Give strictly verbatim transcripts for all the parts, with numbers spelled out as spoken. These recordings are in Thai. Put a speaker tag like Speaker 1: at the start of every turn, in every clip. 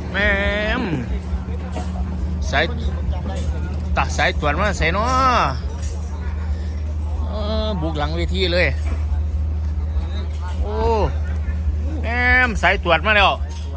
Speaker 1: แม่มสายตักสายตรวจมาใส่เนาะบุกหลังเวทีเลยโอ้แม่มสายตรวจมาแล้ว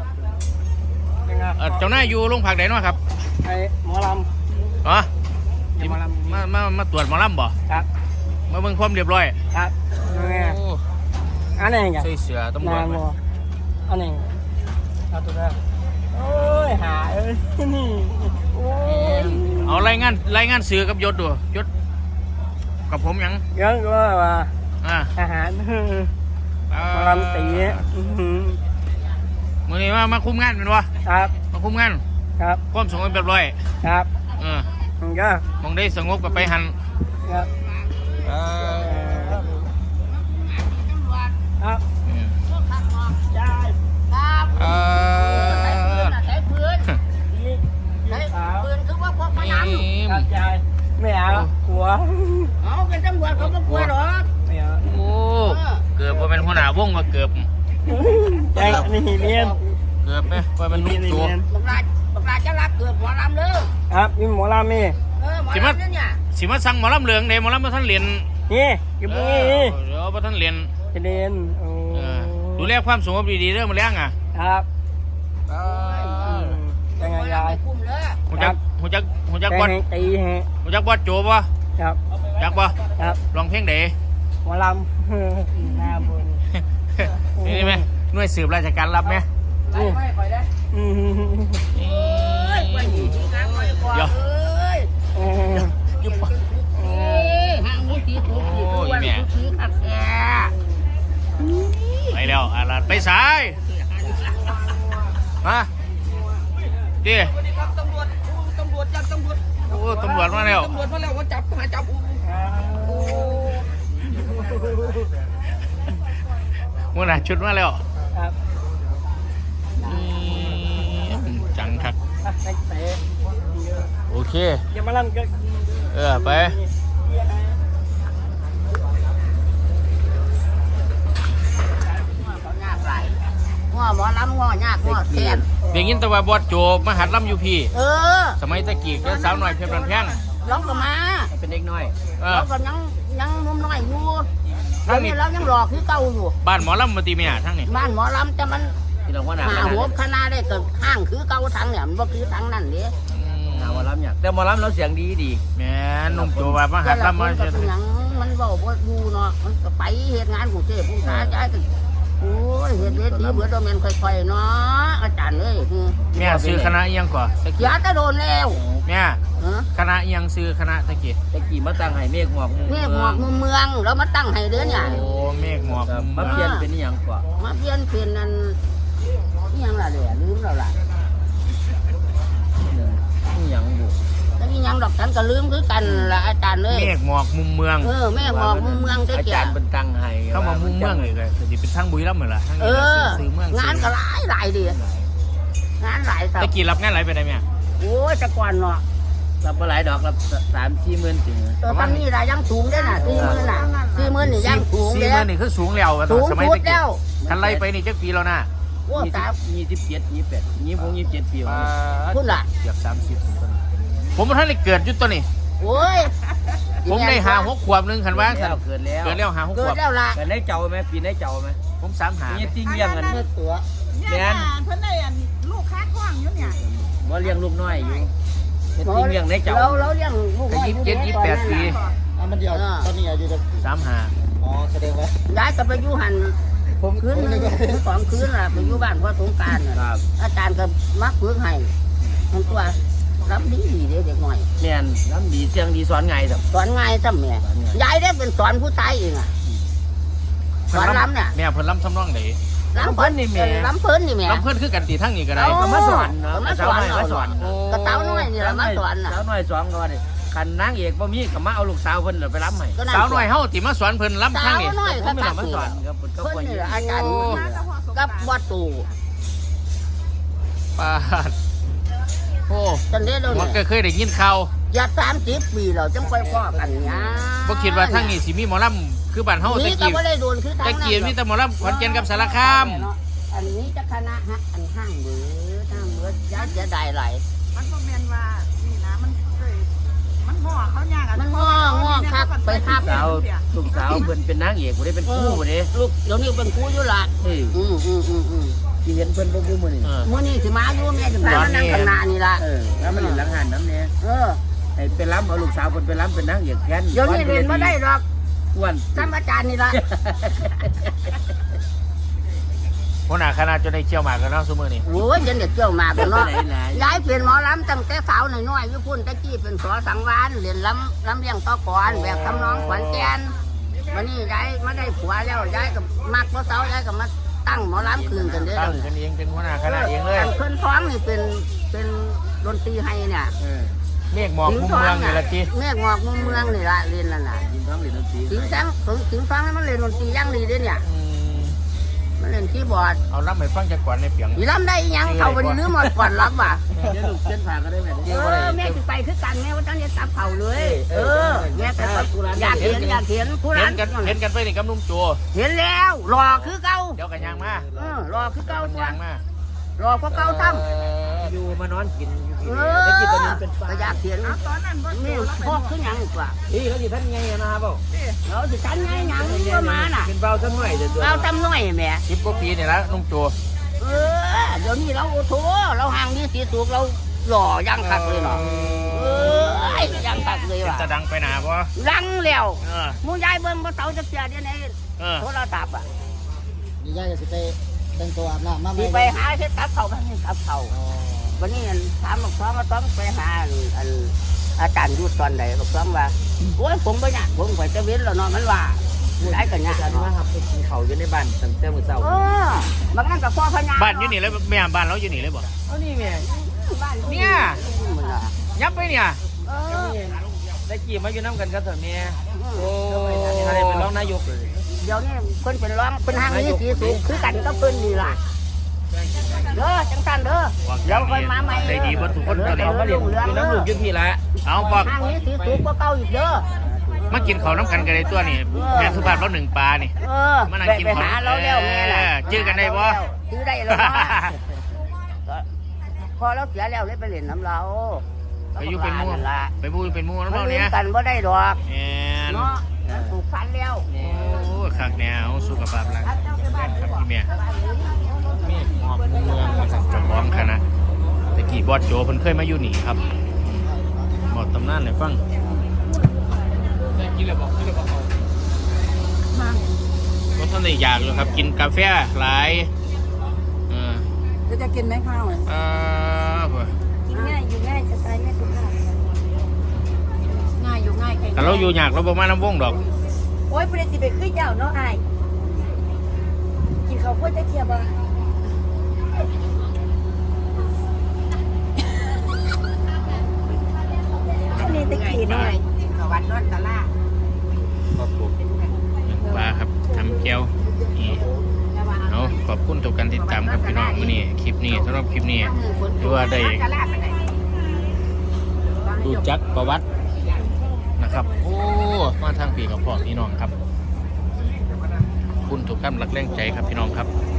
Speaker 1: เจ้าหน้าอยู่โรงพักไหนเนาะครับ
Speaker 2: ไอ้หมอล
Speaker 1: ำอ๋อมามามาตรวจหมอลำบ่
Speaker 2: ครับ
Speaker 1: มาเบิ่งความเรียบร้อย
Speaker 2: ครับอันนี้ไง
Speaker 1: ใส่เสื้อตำรวจ
Speaker 2: อันนี้เอาตัวนั้นโอ้ยหาเอ้ยนี่โอ้ย
Speaker 1: เอารายงานรายงานเสือกับยศดูยศกับผมยัง
Speaker 2: เยอะก็ว่า
Speaker 1: อ่า
Speaker 2: อาหารมาลำตี
Speaker 1: มือนี้มามาคุมงานเป็นวะ
Speaker 2: ครับ
Speaker 1: มาคุมงาน
Speaker 2: ครับ
Speaker 1: ความสงบเรียบร้อย
Speaker 2: ครับ
Speaker 1: เออ
Speaker 2: ก็
Speaker 1: มองได้สงบกับไปหัน
Speaker 2: ครับครับ
Speaker 1: เออ
Speaker 3: ใช้ปืนใช้ปืนคือว่าพวกพนัน
Speaker 2: ไม่เอากลัว
Speaker 3: เอาเป็นตำรวจเขาไม่กลัวหรอก
Speaker 2: ไม่เอา
Speaker 1: โอ้เกือบว่าเป็นหัวหน้าวงมาเกือบ
Speaker 2: ใจนี่เรียน
Speaker 1: เกือบไหมว่ามันนุ่มตัว
Speaker 3: บักลาบักลาจะรับเกือบหมอลำเลย
Speaker 2: ครับมีหมอลำมี
Speaker 3: เออหมอลำเนี่ย
Speaker 1: สิมาสั่งหมอลำเหลืองเดหมอลำมาท่านเรียน
Speaker 2: นี่กี่ปีนี่
Speaker 1: เดี๋ยวมาท่านเรียน
Speaker 2: เรียน
Speaker 1: ดูแลความสงบดีๆเรื่องมาเลี้ยงอ่ะ
Speaker 2: ครับยังไงยาย
Speaker 1: หัวจักหัวจักหัวจักบอล
Speaker 2: ตีฮะ
Speaker 1: หัวจักบอลโจบ่
Speaker 2: ครับ
Speaker 1: จักบ่
Speaker 2: ครับ
Speaker 1: ลองเพลงเด๋
Speaker 2: หมอลำหน้าบุญ
Speaker 1: นี่ไหมหน่วยสืบราชการรับไหม
Speaker 3: ไม่ไม่ค่อยได้เอ้ยไปดีจริงนะไปก่อนเลย
Speaker 1: ยุบ
Speaker 3: ห่างมุ้งตีถูกตีถูกวันตีขัดแก่
Speaker 1: ไปแล้วอาลาดไปสายมาดิ
Speaker 3: สวัสดีครับตำรวจตำรวจจับตำรวจ
Speaker 1: โอ้ตำรวจมาแล้ว
Speaker 3: ตำรวจมาแล้วว่าจับมาจับ
Speaker 1: มื่อไหร่ชุดมาแล้วจังคักโอเค
Speaker 2: อย่ามาลั่นก็
Speaker 1: เออไป
Speaker 3: ง้อหมอลำง้อยากง้อแทน
Speaker 1: เด็กยินตะวันบอดโจมหัดลำอยู่พี่
Speaker 3: เออ
Speaker 1: สมัยตะกี้ก็สาวหน่อยเพียบรันแพง
Speaker 3: ร้องก็มา
Speaker 2: เป็นเด็กน้อย
Speaker 3: เราก็ยังยังนุ่มน้อยอยู่ทั้งนี้เรายังหลอกคือเก่าอยู่
Speaker 1: บ้านหมอลำมาตีเมียทั้งนี้
Speaker 3: บ้านหมอลำแต่มันหาหัวคณะได้เกิดข้างคือเก่าทั้งเนี่ยมันก็คือทั้งนั่นเด้
Speaker 2: หมอลำเนี่ยแต่หมอลำเราเสียงดีดี
Speaker 1: แม่นุ่มโจว่ามาหัดลำมา
Speaker 3: เช่นยังมันบอกว่าดูเนาะมันก็ไปเหตุงานของเจ้ผู้ชายใจกันโอ้ยเหตุเวทีเบื่อโดนเมนค่อยๆเนาะอาจารย์เอ้ย
Speaker 1: แม่ซื้อคณะยังก่อน
Speaker 3: ยาจะโดนแล้ว
Speaker 1: แม่คณะยังซื้อคณะตะกี้
Speaker 2: ตะกี้มาตั้งให้เมฆหมอก
Speaker 3: เมฆหมอกมุมเมืองแล้วมาตั้งให้เดือนเนี่ย
Speaker 1: โอ้เมฆหมอก
Speaker 2: มาเปลี่ยนเป็นอย่างกว่า
Speaker 3: มาเปลี่ยนเป็นนั่นนี่ยังล่ะเดี๋ยวลืมแล้วล่ะ
Speaker 2: นี่ยังบุ
Speaker 3: แต่นี่ยังดอกฉันก็ลืมคือกันละอาจารย์เลย
Speaker 1: เมฆหมอกมุมเมือง
Speaker 3: เออเมฆหมอกมุมเมือง
Speaker 2: อาจารย์เป็นตั้งให้
Speaker 1: เข้ามามุมเมืองเลยเลยจะเป็นทั้งบุรีรัมย์เหมือนล่ะทั้งนี้ซื้อเมือง
Speaker 3: งานก็หลายหลายดีงานหลาย
Speaker 1: ตะกี้รับงานหลายไปได้ไหม
Speaker 3: โอ้ยตะกอนเนาะ
Speaker 2: รับมาหลายดอกรับสามสี่หมื่นถึง
Speaker 3: ตอนนี้รายยังสูงได้น่ะสี่หมื่นน่ะสี่หมื่นนี่ยังสูง
Speaker 1: สี่หมื่นนี่คือสูงแล้ว
Speaker 3: สูง
Speaker 1: สมัยตะกี้
Speaker 3: แล้ว
Speaker 1: ทันไล่ไปนี่จักปีแล้วนะ
Speaker 2: ยี่สิบเจ็ดยี่สิบแปดยี่สิบหกยี่สิบเจ็ดปี
Speaker 3: พูดละ
Speaker 1: เกือบสามสิบผมท่านได้เกิดยุดตัวนี้
Speaker 3: โอ้ย
Speaker 1: ผมได้หาหกขวบนึงขันว่า
Speaker 2: เกิดแล้ว
Speaker 1: เกิดแล้วหาหกขวบ
Speaker 3: เกิดแล้วล่ะ
Speaker 2: เกิดได้เจ้าไหมปีได้เจ้าไหม
Speaker 1: ผมสามหา
Speaker 2: เนี่ยติ้งเลี้ยงกัน
Speaker 3: เมื่อตัว
Speaker 2: แม่น
Speaker 4: เพิ่นได้ลูกค้าคล้องอยู่เนี่ย
Speaker 2: ว่าเลี้ยงลูกน้อยอยู่ติ้งเลี้ยงได้เจ้า
Speaker 3: เราเราเลี้ยงลูกน้อย
Speaker 1: ยี่สิบเจ็ดยี่สิบแปดปี
Speaker 2: มันเดียวตอนนี้อายุจะ
Speaker 1: สามหา
Speaker 2: อ๋อแสดงว่า
Speaker 3: ย้ายกลับไปอยู่หันผมคืนสองคืนล่ะไปอยู่บ้านพ่อสงการอาจารย์ก็มักฝึกให้มันตัวรับดีดีเด็กหน่อย
Speaker 2: แม่นรับดีเสียงดีสอนไงสับ
Speaker 3: สอนไงสับแม่ยายได้เป็นสอนผู้ชายเองอ่ะสอนล้ำเนี่ย
Speaker 1: แม่เพิ่นล้ำทำน้องไหน
Speaker 3: ล้ำเพิ่นนี่แม่ล้ำเพิ่นนี่แม่
Speaker 1: ล้ำเพิ่นคือกันตีทั้งนี้ก็ได้
Speaker 3: ก็
Speaker 2: มาสอน
Speaker 3: มาสอนมาสอนกระเต้าน้อยนี่แหละมาสอนน่ะ
Speaker 2: สาวน้อยสอนก็ว่าดิคันนางเอกบ่มีก็มาเอาลูกสาวเพิ่นไปล้ำให้
Speaker 1: สาวน้อยเฮาติมาสอนเพิ่นล้ำทั้งนี้
Speaker 3: สาวน้อยก็
Speaker 2: มาสอนครับ
Speaker 3: เพิ่นนี่อาจารย์กับวัดตู่
Speaker 1: ปาดโอ้
Speaker 3: ตอนนี้เรา
Speaker 1: มันก็เคยได้ยินข่าว
Speaker 3: อย่าสามสิบปีเราจังค่อยพ่อกันนะ
Speaker 1: บ่คิดว่าทั้งนี้สิมีหมอลำคือบ้านเฮาตะกี้ตะกี้มีแต่หมอลำขอนแก่นกับสารคาม
Speaker 3: อันนี้จะคณะฮะอันห้างเบือห้างเบือมันเสียดายหลาย
Speaker 4: มันก็แมนว่านี่นะมันเคยมันห่อเขายากอะ
Speaker 3: มันง้องอคักไปทับ
Speaker 2: สาวลูกสาวเพิ่นเป็นนางเอกบ่ได้เป็นคู่บ่เด้
Speaker 3: ลูกเดี๋ยวนี้เป็นครูอยู่ละ
Speaker 2: เอ้ย
Speaker 3: อืมอืมอืมอืม
Speaker 2: สิเห็นเพิ่นบ่อยู่มื้อนี้
Speaker 1: เออ
Speaker 3: มื้อนี้สิมาอยู่แม่สิพามานั่งข้างหน้านี่ล่ะ
Speaker 2: เออแล้วมันเล่นหลังหันน้ำเนี่ย
Speaker 3: เออ
Speaker 2: ให้ไปล้ำเอาลูกสาวเพิ่นไปล้ำเป็นนางเอกแทน
Speaker 3: เดี๋ยวนี้เรียนบ่ได้หรอก
Speaker 2: อ้วน
Speaker 3: ซ้ำอาจารย์นี่ล่ะ
Speaker 1: หัวหน้าคณะจะได้เชี่ยวหมากกันเนาะซุมื้อนี้
Speaker 3: โอ้ยยันเด็กเกี่ยวมากเนาะ
Speaker 2: ไหนไหน
Speaker 3: ย้ายเป็นหมอลำตั้งแต่สาวน้อยๆอยู่พุ่นตะกี้เป็นสอสังวานเรียนลำลำเลี้ยงต่อก่อนแบบทำน้องขวัญแกนวันนี้ย้ายมาได้ผัวแล้วย้ายกับมักบ่เสาย้ายกับมาตั้งหมอลำคืนกันเด้อ
Speaker 1: ตั้ง
Speaker 3: เดี๋ยว
Speaker 1: กัน
Speaker 3: นี้
Speaker 1: เองเป็นหัวหน้าคณะเองเลย
Speaker 3: อันเพิ่นท้องนี่เป็นเป็นดนตรีให้เนี่ย
Speaker 2: เออ
Speaker 1: เมฆหมอกมุมเมืองนี่ละจี
Speaker 3: เมฆหมอกมุมเมืองนี่ละเรียนนั่นน่ะ
Speaker 2: ยินท้องเหรียญดนตรี
Speaker 3: สิงแสงสิงฟังให้มันเล่นดนตรีอย่างดีเด้เนี่ย
Speaker 1: อืม
Speaker 3: มันเล่นคีย์บอร์ด
Speaker 1: เอารับไปฟังจากก่อนในเปียง
Speaker 3: อีลำได้อีหยังเขาบ่ได้ลืมหมดก่อนรับว่ะ
Speaker 2: เดี๋ยวลูกเส้นผ่าก็ได้แม่
Speaker 3: เออแม่สิไปคือกันแม่ว่าตอนนี้ตับเขาเลย เออแม่แต่อยากเห็นอยากเห็นผู้
Speaker 1: เห็
Speaker 3: ร้าน น
Speaker 1: กันเห็นกันไปนี่กับนุ่มโจ
Speaker 3: เห็นแล้วรอคือเก่า
Speaker 1: เดี๋ยวกันยางมา
Speaker 3: เออรอคือเก่าตัวย
Speaker 1: างมาร
Speaker 3: อก็เก่าซ้ำ
Speaker 2: อยู่มานอนกินอยู่
Speaker 3: เอ
Speaker 2: ที่
Speaker 3: อ
Speaker 2: นี่ได้กินตอนนี้เป็นปลา
Speaker 3: ก็อยากเห็น
Speaker 4: เอาตอนนั้นบ่
Speaker 3: นี่
Speaker 4: โตแล้ว
Speaker 3: พอกคือหยังกว่า
Speaker 2: พี่เขาสิท่านไงนะครับเปล่า
Speaker 3: เราสิทันไงหยังก็มาน่ะ
Speaker 2: เป็นเบาสักหน่อยเดี๋ยว
Speaker 3: เราทำน้อยแม่
Speaker 1: สิบกว่าปีนี่ละนุ่มโจ
Speaker 3: เออเดี๋ยวนี้เราโอ้โหเราห่างนี้สีสุกเราหล่อยังคักเลยเนาะเออยังคักเลยว่ะ
Speaker 1: จะดังไปหนาปะ
Speaker 3: ลังแล้ว
Speaker 1: เออ
Speaker 3: มูยายเบิ่งบ่เตาจะเสียเดี๋ยวนี้
Speaker 1: เออ
Speaker 3: โทรศัพท์อ่ะ
Speaker 5: นี่ยายจะสิไปแต่งตัวอาบน้ำมาไหม
Speaker 3: สิไปหาเฮ็ดกับเขาวบ้านนี้กับเขาววันนี้อันถามบอกซ้อมมาต้องไปหาอันอันอาจารย์ยุทธตอนใดบอกซ้อมว่าโอ้ยผมบ่อยากผมไปจะเว้นแล้วเนาะมันว่าหลายกันยาก
Speaker 2: การว่า
Speaker 3: เนาะ
Speaker 2: ครับไปกินเขาอยู่ในบ้านตั้งแต่มื้อเช้า
Speaker 3: เออบางนั้นก็พ่อพญา
Speaker 1: บ้านอยู่นี่เลยแม่บ้านเราอยู่นี่เลยบ่
Speaker 2: เอานี่แม่
Speaker 3: บ้าน
Speaker 1: เนี่ย
Speaker 3: มันน่ะ
Speaker 1: ยับไปเนี่ย
Speaker 3: เออ
Speaker 2: ได้กี่มาอยู่น้ำกันกับเถอะแม่โอ้อะไรเป็นรองนายกเลย
Speaker 3: เดี๋ยวนี้เพิ่นเป็นร้องเพิ่นห่างนี้สีสุกคือกันก็เพิ่นนี่ล่ะเด้อจังซั่นเด้อเดี๋ยวค่อยมาใหม่
Speaker 1: ได้ดีเบ่ทุกคนตอนนี้
Speaker 2: เราก็เรียนอยู่น้ำลูกอยุพี่ละ
Speaker 1: เอาบอก
Speaker 3: ห่างนี้สีสุกก็เก่าอีกเด้อ
Speaker 1: มากินข้าวน้ำกันกันในตัวนี่แม่สุภาพเราหนึ่งปลานี่
Speaker 3: เออ
Speaker 1: มานั่ง
Speaker 3: ไป
Speaker 1: กิน
Speaker 3: ไป
Speaker 1: ของ
Speaker 3: หาเราแล้วแม่ล่ะ
Speaker 1: เออจื้อกันได้บ่
Speaker 3: จื้อได้แล้วเนาะก็พอเราเสียแล้วเลยไปเล่นน้ำเรา
Speaker 1: ไปอยู่เป็นหมู่
Speaker 3: นั่นล่ะ
Speaker 1: ไปบูเป็นหมู่
Speaker 3: มั
Speaker 1: แล้ว
Speaker 3: น
Speaker 1: เนาะ
Speaker 3: ลื
Speaker 1: เนี่
Speaker 3: ม
Speaker 1: ย
Speaker 3: กันบ่ได้ดอก
Speaker 1: แอน
Speaker 3: เนาะมันถูกฟันแล้ว
Speaker 1: โอ้คักแนวสุขภาพร่างกายแม่นครับพี่แม่เมฆหมอกมุมเมืองมาสั่งจอมบ้องคณะตะกี้บอสโจเพิ่นเคยมาอยู่นี่ครับบอกตำนานให้ฟังกินเลยบอกกินเลยบอกเอาบ่ทันได้อยากเลยครับกินกาแฟหลายเออ
Speaker 4: จะจะกินไหมข้าว
Speaker 1: เออบ่
Speaker 6: กินง่ายอยู่ง่ายสไตล์แม่สุภาพ
Speaker 4: ง่ายอยู่ง่ายแข็ง
Speaker 1: แต่เราอยู่ยากเราบ่มาน้ำวงดอก
Speaker 6: โอ้ยประเด็นสิไปขึ้นยาวเนาะอายกินข้าวโพดจะเทียบอ่ะอันนี้ตะกี้หน่อย
Speaker 3: สวัสดีนอนตะล่า
Speaker 1: ครับผมปลาครับทำเกี๊ยวนี่เอาขอบคุณทุกการติดตามครับพี่น้องมื้อนี้คลิปนี้สำหรับคลิปนี้ถือว่าได้รู้จักประวัตินะครับ โอ้มาทางปีกับพ่อพี่น้องครับขอบคุณทุกกำลังแรงใจครับพี่น้องครับ